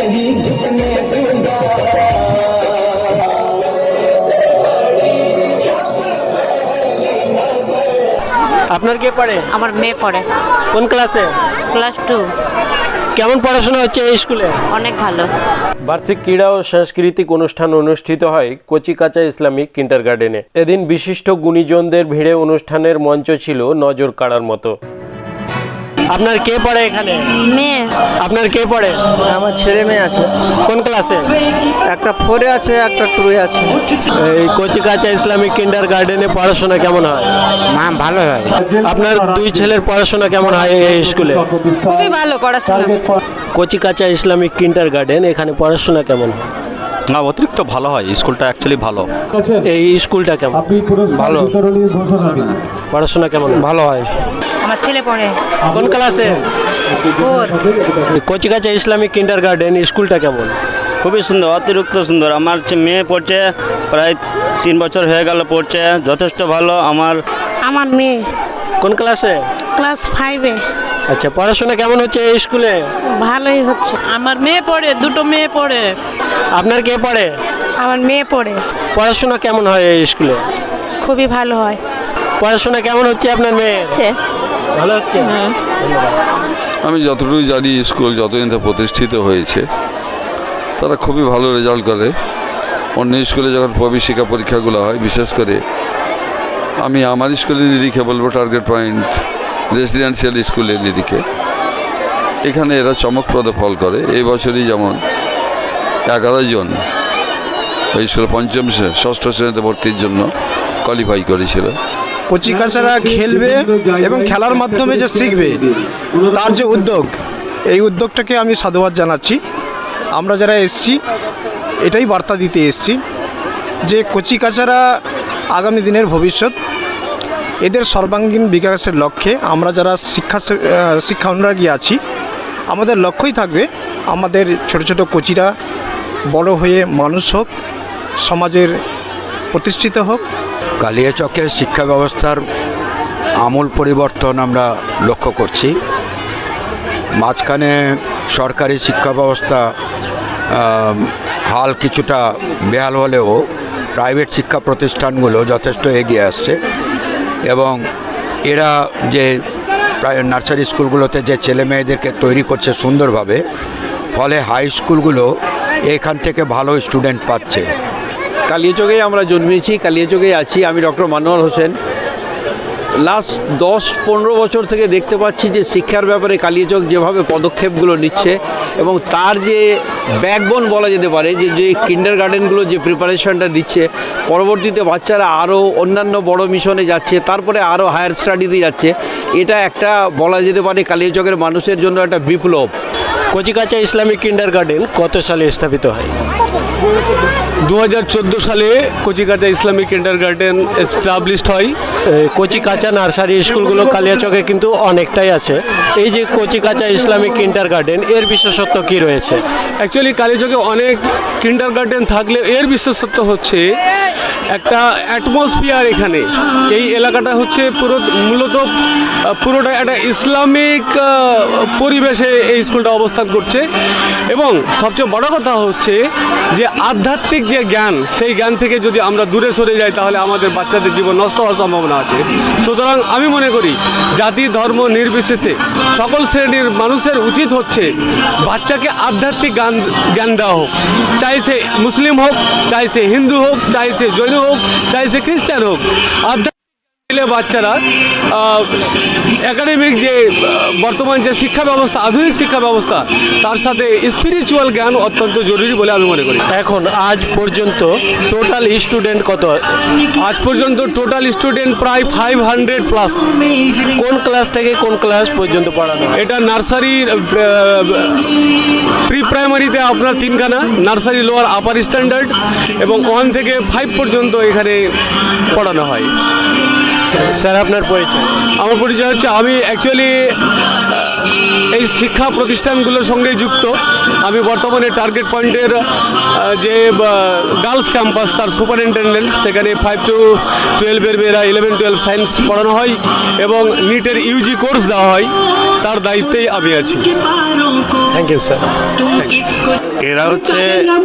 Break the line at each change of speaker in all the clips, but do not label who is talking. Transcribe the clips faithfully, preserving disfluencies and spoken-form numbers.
नहीं झुकने दूंगा।
আপনার কে পড়ে?
আমার মেয়ে পড়ে
কোন ক্লাসে?
Class two.
কেমন পড়াশোনা হচ্ছে এই স্কুলে?
অনেক ভালো।
বার্ষিক ক্রীড়া ও সাংস্কৃতিক অনুষ্ঠান অনুষ্ঠিত হয় কচিকাঁচা ইসলামিক কিন্ডারগার্টেনে। এদিন বিশিষ্ট গুণীজনদের ভিড়ে অনুষ্ঠানের মঞ্চ ছিল নজর কাড়ার মতো। আপনার কে পড়ে এখানে?
মেয়ে।
আপনার কে পড়ে?
আমার ছেলে মেয়ে আছে।
কোন ক্লাসে?
একটা ফোরে আছে, একটা টুয়ে আছে।
এই কচিকাঁচা ইসলামিক কিন্ডারগার্টেনে পড়াশোনা কেমন হয়?
মা ভালো হয়।
আপনার দুই ছেলের পড়াশোনা কেমন হয় এই স্কুলে?
খুবই ভালো পড়াশোনা।
কচিকাঁচা ইসলামিক কিন্ডারগার্টেন, এখানে পড়াশোনা কেমন?
না, অতিরিক্ত ভালো হয়। স্কুলটা অ্যাকচুয়ালি ভালো।
এই স্কুলটা কেমন?
ভালো।
পড়াশোনা কেমন?
ভালো হয়।
আমার ছেলে পড়ে
কোন ক্লাসে?
ফোর।
কচিকাঁচা ইসলামিক কিন্ডারগার্টেন স্কুলটা কেমন?
খুবই সুন্দর, অতিরিক্ত সুন্দর। আমার যে মেয়ে পড়ছে, প্রায় তিন বছর হয়ে গেল পড়ছে, যথেষ্ট ভালো। আমার
আমার মেয়ে
কোন ক্লাসে?
ক্লাস ফাইভে।
আচ্ছা, পড়াশোনা কেমন হচ্ছে এই স্কুলে?
ভালোই হচ্ছে। আমার মেয়ে পড়ে, দুটো মেয়ে পড়ে।
আপনার কে পড়ে?
আমার মেয়ে পড়ে।
পড়াশোনা কেমন হয় এই স্কুলে?
খুবই ভালো হয়।
পড়াশোনা কেমন হচ্ছে আপনার মেয়ে? ভালো হচ্ছে।
আমি যতটুকু জানি স্কুল যতদিন থেকে প্রতিষ্ঠিত হয়েছে তারা খুবই ভালো রেজাল্ট করে। অন্য স্কুলে যখন প্রবেশিকা পরীক্ষাগুলো হয়, বিশেষ করে আমি আমার স্কুলের নিরিখে বলবো, টার্গেট পয়েন্ট রেসিডেন্সিয়াল স্কুলের নিরিখে এখানে এরা চমকপ্রদ ফল করে। এই বছরই যেমন এগারো জন এই স্কুলে পঞ্চম ষষ্ঠ শ্রেণীতে ভর্তির জন্য কোয়ালিফাই করেছিল।
কচিকাঁচারা খেলবে এবং খেলার মাধ্যমে যে শিখবে, তার যে উদ্যোগ, এই উদ্যোগটাকে আমি সাধুবাদ জানাচ্ছি। আমরা যারা এসছি এটাই বার্তা দিতে এসছি যে কচিকাঁচারা আগামী দিনের ভবিষ্যৎ। এদের সর্বাঙ্গীন বিকাশের লক্ষ্যে আমরা যারা শিক্ষা শিক্ষা অনুরাগী আছি, আমাদের লক্ষ্যই থাকবে আমাদের ছোট ছোট কচিরা বড় হয়ে মানুষ হোক, সমাজের প্রতিষ্ঠিত হোক।
কালিয়াচকের শিক্ষা ব্যবস্থার আমূল পরিবর্তন আমরা লক্ষ্য করছি। মাঝখানে সরকারি শিক্ষা ব্যবস্থা হাল কিছুটা বেহাল হলেও প্রাইভেট শিক্ষা প্রতিষ্ঠানগুলো যথেষ্ট এগিয়ে আসছে এবং এরা যে প্রায় নার্সারি স্কুলগুলোতে যে ছেলে মেয়েদেরকে তৈরি করছে সুন্দরভাবে, ফলে হাই স্কুলগুলো এখান থেকে ভালো স্টুডেন্ট পাচ্ছে।
কালিয়াচকেই আমরা জন্মেছি, কালিয়াচকেই আছি। আমি ডক্টর মানোয়ার হোসেন। লাস্ট দশ পনেরো বছর থেকে দেখতে পাচ্ছি যে শিক্ষার ব্যাপারে কালিয়াচক যেভাবে পদক্ষেপগুলো নিচ্ছে এবং তার যে ব্যাকবোন বলা যেতে পারে, যে যে কিন্ডার গার্ডেনগুলো যে প্রিপারেশনটা দিচ্ছে, পরবর্তীতে বাচ্চারা আরও অন্যান্য বড় মিশনে যাচ্ছে, তারপরে আরও হায়ার স্টাডিতে যাচ্ছে। এটা একটা বলা যেতে পারে কালিয়াচকের মানুষের জন্য একটা বিপ্লব।
কচিকাঁচা ইসলামিক কিন্ডারগার্টেন কত সালে স্থাপিত হয়?
দু হাজার চোদ্দো সালে কচিকাঁচা ইসলামিক কিন্ডারগার্টেন এস্টাবলিশড হয়।
কচিকাঁচা নার্সারি স্কুলগুলো কালিয়াচকে কিন্তু অনেকটাই আছে। এই যে কচিকাঁচা ইসলামিক কিন্ডারগার্টেন, এর বিশেষত্ব কি রয়েছে?
অ্যাকচুয়ালি কালিয়াচকে অনেক কিন্ডারগার্টেন থাকলে এর বিশেষত্ব হচ্ছে একটা অ্যাটমসফিয়ার। এখানে এই এলাকাটা হচ্ছে পুরো মূলত পুরোটা একটা ইসলামিক পরিবেশে এই স্কুলটা অবস্থান করছে এবং সবচেয়ে বড় কথা হচ্ছে যে আধ্যাত্মিক যে জ্ঞান, সেই জ্ঞান থেকে যদি আমরা দূরে সরে যাই তাহলে আমাদের বাচ্চাদের জীবন নষ্ট হওয়ার সম্ভাবনা আছে। সুতরাং আমি মনে করি জাতি ধর্ম নির্বিশেষে সকল শ্রেণীর মানুষের উচিত হচ্ছে বাচ্চাকে আধ্যাত্মিক জ্ঞান জ্ঞান দেওয়া হোক, চাই সে মুসলিম হোক, চাই সে হিন্দু হোক, চাই সে জৈন হোক, চাই সে খ্রিস্টান হোক। আধ্যাত্মিক বাচ্চারা একাডেমিক যে বর্তমান যে শিক্ষা ব্যবস্থা, আধুনিক শিক্ষা ব্যবস্থা, তার সাথে স্পিরিচুয়াল জ্ঞান অত্যন্ত জরুরি বলে আমি মনে করি।
এখন আজ পর্যন্ত টোটাল স্টুডেন্ট কত?
আজ পর্যন্ত টোটাল স্টুডেন্ট প্রায় ফাইভ হান্ড্রেড প্লাস।
কোন ক্লাস থেকে কোন ক্লাস পর্যন্ত পড়ানো?
এটা নার্সারির প্রি প্রাইমারিতে আপনার তিনখানা, নার্সারি লোয়ার আপার স্ট্যান্ডার্ড এবং ওয়ান থেকে ফাইভ পর্যন্ত এখানে পড়ানো হয়।
স্যার, আপনার পরিচয়?
আমার পরিচয় হচ্ছে, আমি অ্যাকচুয়ালি এই শিক্ষা প্রতিষ্ঠানগুলোর সঙ্গে যুক্ত। আমি বর্তমানে টার্গেট পয়েন্টের যে গার্লস ক্যাম্পাস, তার সুপারিনটেন্ডেন্ট। সেখানে ফাইভ টু টুয়েলভের মেয়েরা ইলেভেন টুয়েলভ সায়েন্স পড়ানো হয় এবং নিটের ইউজি কোর্স দেওয়া হয়। তার দায়িত্বেই আমি আছি।
Thank you sir.
এরা হচ্ছে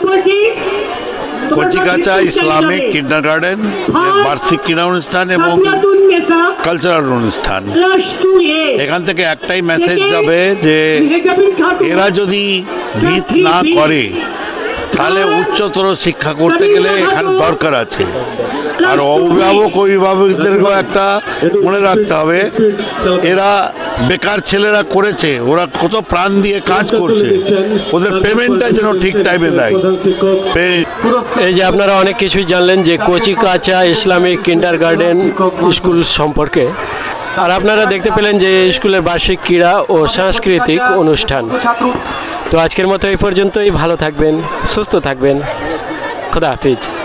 কচিকাঁচা ইসলামিক কিন্ডারগার্টেন বার্ষিক ক্রীড়া অনুষ্ঠান এবং কালচারাল অনুষ্ঠান। এখান থেকে একটাই মেসেজ যাবে যে এরা যদি ভিত না করে তাহলে উচ্চতর শিক্ষা করতে গেলে এখানে দরকার আছে। আর অভিভাবক অভিভাবকদেরকেও একটা মনে রাখতে হবে, এরা বেকার ছেলেরা করেছে, ওরা কত প্রাণ দিয়ে কাজ করছে, ওদের পেমেন্টটা যেন ঠিক টাইমে দেয়।
এই যে আপনারা অনেক কিছুই জানলেন যে কচিকাঁচা ইসলামিক কিন্ডারগার্টেন স্কুল সম্পর্কে, আর আপনারা দেখতে পেলেন যে স্কুলের বার্ষিক ক্রীড়া ও সাংস্কৃতিক অনুষ্ঠান। তো আজকের মতো এই পর্যন্তই। ভালো থাকবেন, সুস্থ থাকবেন, খোদা হাফিজ।